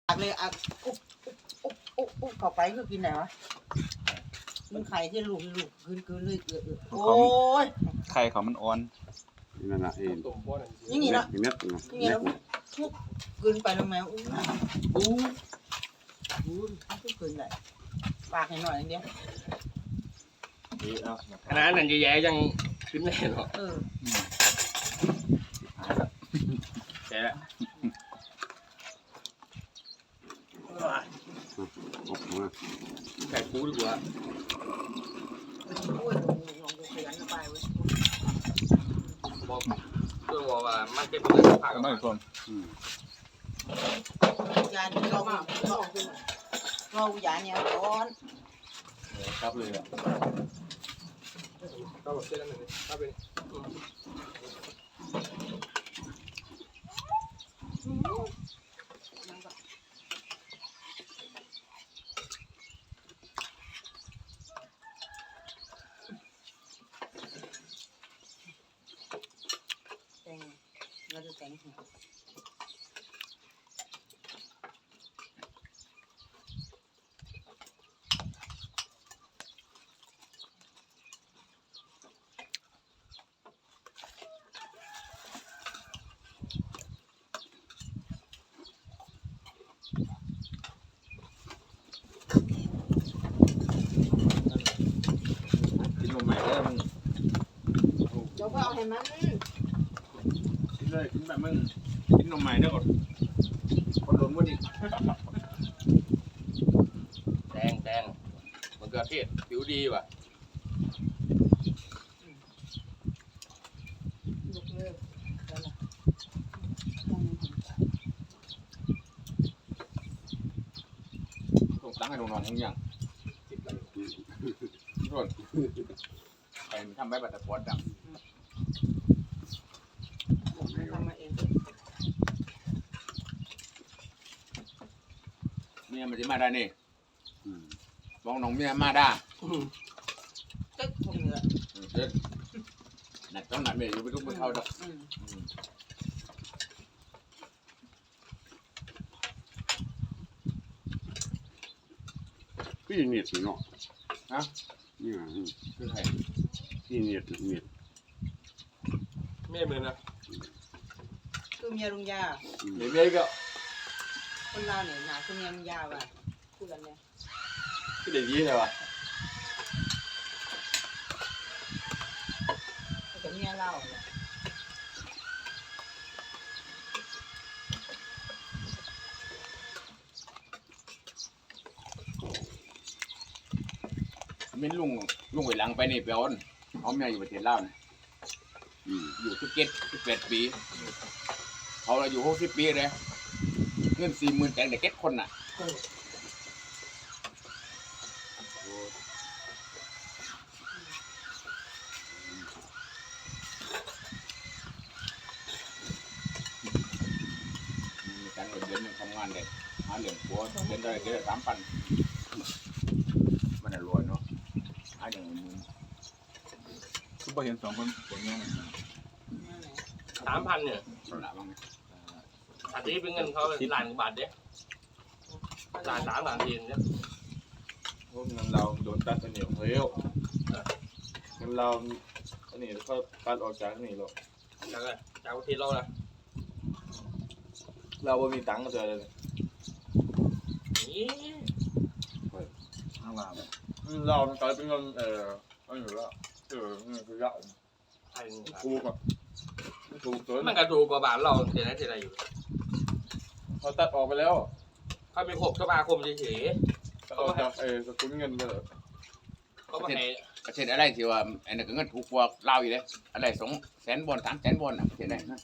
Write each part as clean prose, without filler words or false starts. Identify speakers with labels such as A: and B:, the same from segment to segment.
A: เลยอ่ะอุ๊บเข้าไปคือกินไหนวะกินไข่ที่ลูกคืนเลยโอ้ย
B: ไข่เขามันอ่อน
C: นั่นน่ะ
A: อย่างนี้เนาะ
C: เม็ด
A: อย่างนี้แล้วทุกคืนไปลงแมวอู้ทุกคืนได้ปากให้หน่อยอย่างเดียว
D: ขนาดนั้นแย่ๆยังขึ้นแน่หรอแย่ไก่ปูดีกว่า
A: โอ้ยลองดูขยันไปเว้ย
D: บอกเพื่อนบอกว่ามันเป็นเรื่องผัก
B: ไม่คน
A: ยาเรายาเนี่ยร้อน
B: ครับเลยอ่ะ
D: ก็แบบเส้นนั้นเลยก็เป็น
A: แต่งเราจะแต่ง
B: กินนมใหม่ได้มึง
A: เดี๋ยวก็เอาให้มัน
B: กินเลยกินแบบมึงกินนมใหม่ได้ก่อนคนล้มก็ดี
D: แดงมันเกลือเทศผิวดีว่ะ
B: ต้องตั้งให้น้องๆทั้งอย่างส่วนไปทำใบบัตรปอดดำ
A: ทำมาเอง
B: เมียมันจะมาได้นี่บอกน้องเมียมาได้
A: ตึ๊กพวกนี้แหละ
B: เด็ดหนักต้องหนักเมียอยู่ไปทุกไปเข้าดอก
C: พี่เน็ตเนาะ
B: ฮะ
C: นี่
B: คือใคร
C: พี่เน็ต
D: ไม่เหมือนนะ
A: คือเมียลุงยา
B: เมียก็
A: คนเราเนี่ยหนาคือเมียลุงยาว่ะพูดกันเนี่ย
B: คือเด็กยี่ใช่ป่ะ
A: แต่เมียเราเนี่ย
B: มิ้นลุงไปหลังไปนี่เปียวน์เขาเมียอยู่ประเทศลาวนะอยู่17 ปีเขาอยู่60 ปีเลยเงิน40,000แต่งเด็กเก็ตคนน่ะมีการเงินทำงานเลยหาเหรียญปัวเดือนได้3,000มันรวยเนาะหาอย่างมึงคือพอเห็น2 คนผลงาน
D: 3,000เนี่ย
B: ละบ้าง
D: อันนี้เป็นเงินเขาล้านกว่าบาทเด้ล้าน3 ล้าน4เนี่ย
B: พวกเงินเราโดนตัดไปเหนียวเฮ้ยเงินเราอันนี้เขาตัดออกจากนี่หรอก
D: จากประเทศเราละ
B: เราไม่มีตังค์ก็จะเลย
D: นี่
B: ข้างล่างเรามันกลายเป็นเงินอันอยู่แล้วเงินคือเยอะถูกอ่ะถูกตัว
D: มันกระถูกกว่าบาทเราเท่าไหร่อยู่
B: เขาตัดออกไปแล้ว
D: เขาเป็น6 สมาคมเฉย
B: ๆเขาจะสกุลเงินไปเลย
D: เขาไม่ให้
B: ประเทศอะไรที่ว่าอันนั้นก็เงินถูกกว่าเราอยู่เลยอะไร200,000 บาท 300,000 บาทนะประเทศไหนนะ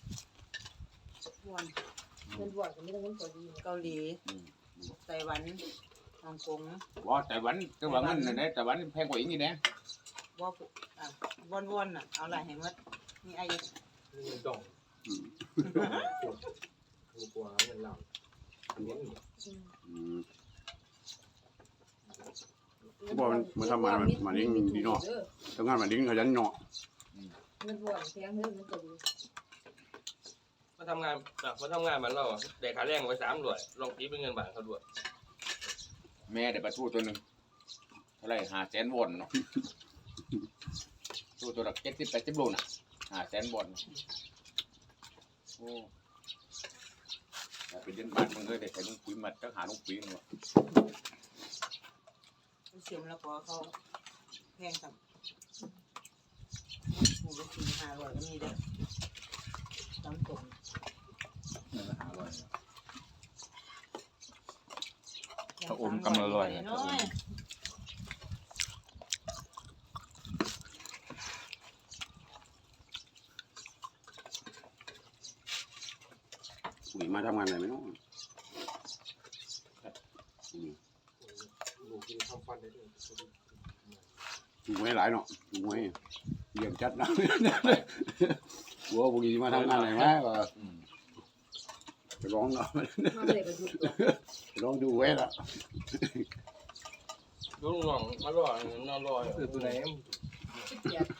A: เงินบวชก็ไม่ต้องเงินตัวดีเกาหลีไต้หวันฮ่องกง
B: ว่าไต้หวันก็ว่าเงินนั่นแหละไต้หวันแพงกว่าอีกนี่นะ
A: ว่าวนๆน่ะเอาอะไรให้มัดมีไอ้
D: เงินดองถูกกว่าเงินเรา
C: บอกมันทำมาดิ้งดีเนาะทำงานมาดิ้งขยันเนาะ
A: เงินบวชแพงเงินตัวดี
D: มาทำงานมันเราได้ค่าแรงไว้300ลองตีเป็นเงินบาทเขาด้วย
B: แม่ได้ปลาทูตัวหนึ่งเท่าไหร่500,000 วอนเนาะตัวละ70-80 โลน่ะ500,000 วอนโอ้แต่เป็นเดือนบาทมึงเลยได้ใส่ลุงปุ๋ยมัดก็หาลุงปุ๋ยเนาะ
A: เสียมแล้วก็เขาแพงกับหมูละ400-500ก็มีเด้อตำตรง
E: นั่นละ500
A: ถ้าอมกำละร้อยน้อย
C: ปุ๋ยมาทำงานอะไรไหมเนาะ
D: ลูกกินข้าวฟันได้ด้วย
C: ดูให้หลายเนาะดูให้เยี่ยมจัดนะหัวปุ๋ยมาทำงานอะไรไหมก็ไปร้องเนาะ
A: มาเลยก็ดูตัว
C: ไปร้องดูไว้ละ
D: ลูกน้องมารอนอนรอ
E: คือตัวไหน
A: เจ็บ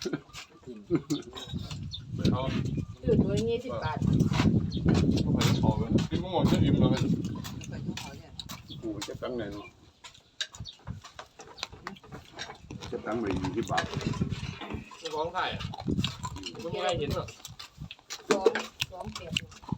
D: เขา
A: ตื่นตัวนี้10 บาท
D: เขาไปขอเลยกินมะม่วงจะอิ่มเลย
A: ไปทุกเขาเนี่ย
C: ปุ๋ยจะตั้งไหนเนาะจะตั้งไป20 บาท
D: ร้องไห้ไม่มีใครเห็นหรอก
A: 2 เก็บ